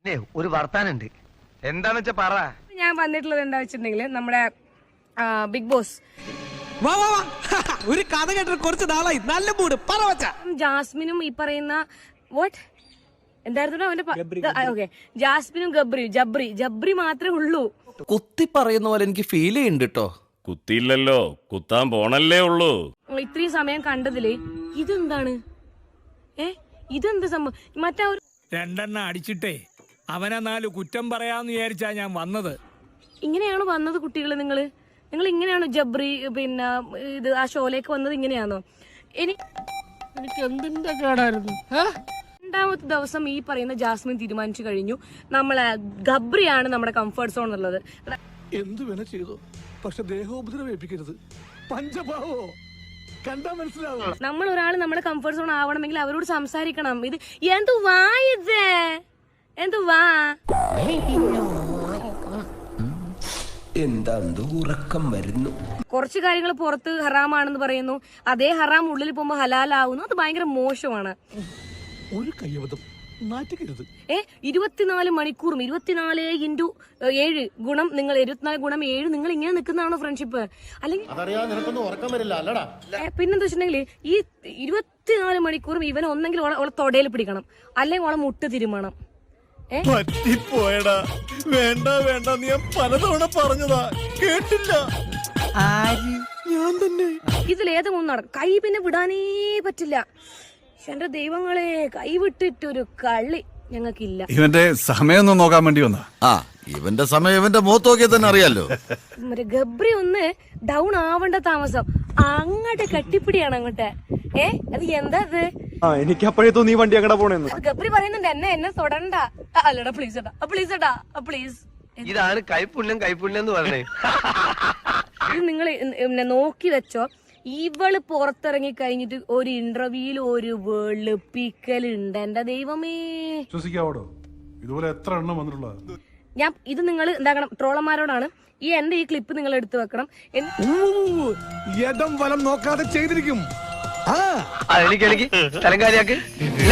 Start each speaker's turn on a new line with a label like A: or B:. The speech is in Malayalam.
A: ഒരു വർത്താനുണ്ട്. എന്താന്ന് വെച്ചാ പറ.
B: ഞാൻ വന്നിട്ടുള്ളത് എന്താ വെച്ചിട്ടുണ്ടെങ്കിൽ നമ്മുടെ ബിഗ് ബോസ്
C: ഒരു കഥ കേട്ടിട്ട് കുറച്ച് നാളായി. നല്ല മൂഡ് പറവച്ച.
B: ജാസ്മിനും ഈ പറയുന്ന വാട്ട് എന്തായിരുന്നു അവന്റെ ഓക്കെ ജാസ്മിനും ജബ്രി മാത്രമേ ഉള്ളൂ.
D: കുത്തി പറയുന്ന പോലെ എനിക്ക് ഫീൽ ചെയ്യുന്നുണ്ട് കേട്ടോ.
E: കുത്തിയില്ലല്ലോ, കുത്താൻ പോണല്ലേ ഉള്ളൂ.
B: ഇത്രയും സമയം കണ്ടതില് ഇതെന്താണ്? ഇതെന്ത് സംഭവം? മറ്റേ
C: രണ്ടെണ്ണം അടിച്ചിട്ടേ അവനെ 4 കുറ്റം പറയാന്ന് വിചാരിച്ചാ ഞാൻ വന്നത്.
B: ഇങ്ങനെയാണോ വന്നത് കുട്ടികള്? നിങ്ങൾ ഇങ്ങനെയാണോ ജബ്രി പിന്നെ ഇത് ആ ഷോയിലേക്ക് വന്നത്? ഇങ്ങനെയാണോ? എനിക്ക് എന്തിന്റെ കേടായിരുന്നു? രണ്ടാമത്തെ ദിവസം ഈ പറയുന്ന ജാസ്മിൻ തീരുമാനിച്ചു കഴിഞ്ഞു നമ്മളെ ഗബ്രിയാണ് നമ്മുടെ കംഫർട്ട് സോൺ എന്നുള്ളത്.
F: എന്തു വേണ ചെയ്തു, പക്ഷെ ദേഹോപദ്രവേൽപ്പിക്കരുത്. പഞ്ചഭാവോ കണ്ടാ മനസ്സിലാവും.
B: നമ്മൾ ഒരാൾ നമ്മുടെ കംഫർട്ട് സോൺ ആവണമെങ്കിൽ അവരോട് സംസാരിക്കണം. ഇത് എന്തുവാ?
G: എന്താ ഉറക്കം വരുന്നു.
B: കുറച്ച് കാര്യങ്ങൾ പുറത്ത് ഹറാമാണെന്ന് പറയുന്നു, അതേ ഹറാം ഉള്ളിൽ പോകുമ്പോ ഹലാലാവുന്നു. അത് ഭയങ്കര മോശമാണ്.
F: ഒരു കയ്യബദ്ധം നാറ്റിക്കരുത്.
B: 24 മണിക്കൂറും 24x7 ഗുണം നിങ്ങൾ 24 ഗുണം 7 നിങ്ങൾ ഇങ്ങനെ നിൽക്കുന്നതാണോ ഫ്രണ്ട്ഷിപ്പ്? അല്ലെങ്കിൽ പിന്നെന്താ വെച്ചിട്ടുണ്ടെങ്കിൽ ഈ 24 മണിക്കൂറും ഇവൻ ഒന്നെങ്കിൽ ഓളെ തൊടയിൽ പിടിക്കണം, അല്ലെങ്കിൽ ഓളെ മുട്ട് തിരുമണം.
F: പറ്റിപ്പോയടാ. വേണ്ട നീ പലതവണ പറഞ്ഞതാ, കേട്ടില്ല. ഞാൻ തന്നെ
B: ഇതിലേതും ഒന്നും നടക്കും. കൈ പിന്നെ വിടാനേ പറ്റില്ല. എന്റെ ദൈവങ്ങളെ, കൈ വിട്ടിട്ടൊരു കളി ഞങ്ങൾക്കില്ല.
H: ഇവന്റെ സമയം നോക്കാൻ വേണ്ടി വന്നാ.
E: ഇവന്റെ സമയം ഇവന്റെ മുഖത്ത് നോക്കിയാൽ തന്നെ അറിയാലോ.
B: മറ്റേ ഗബ്രി ഒന്ന് ഡൗൺ ആവേണ്ട താമസം. അങ്ങോട്ട് കെട്ടിപ്പിടിയാണ് അങ്ങോട്ട്. അത് എന്താ അത്?
F: എനിക്ക് അപ്പോഴേ തോന്നി വണ്ടി അങ്ങടെ പോണെന്ന്.
B: ഗബ്രി പറയുന്നുണ്ട് എന്നെ തൊടണ്ട. അല്ലടാ പ്ലീസ് പ്ലീസ്.
A: ഇതാണ് കൈപ്പുണ്യം എന്ന് പറഞ്ഞേ.
B: ഇത് നിങ്ങൾ നോക്കി വെച്ചോ. ഇവള് പുറത്തിറങ്ങി കഴിഞ്ഞിട്ട് ഒരു ഇന്റർവ്യൂല് ഒരു വെളുപ്പിക്കലുണ്ട്. എന്റെ ദൈവമേ,
H: വിശ്വസിക്കാവോ? ഇതുപോലെ എത്ര എണ്ണം വന്നിട്ടുള്ള.
B: ഇത് നിങ്ങൾ എന്താക്കണം, ട്രോളന്മാരോടാണ് എന്റെ ഈ ക്ലിപ്പ് നിങ്ങൾ എടുത്തു വെക്കണം.
F: ഇടം വലം നോക്കാതെ ചെയ്തിരിക്കും.
A: എനിക്ക് സ്ഥലം കാര്യാക്ക്.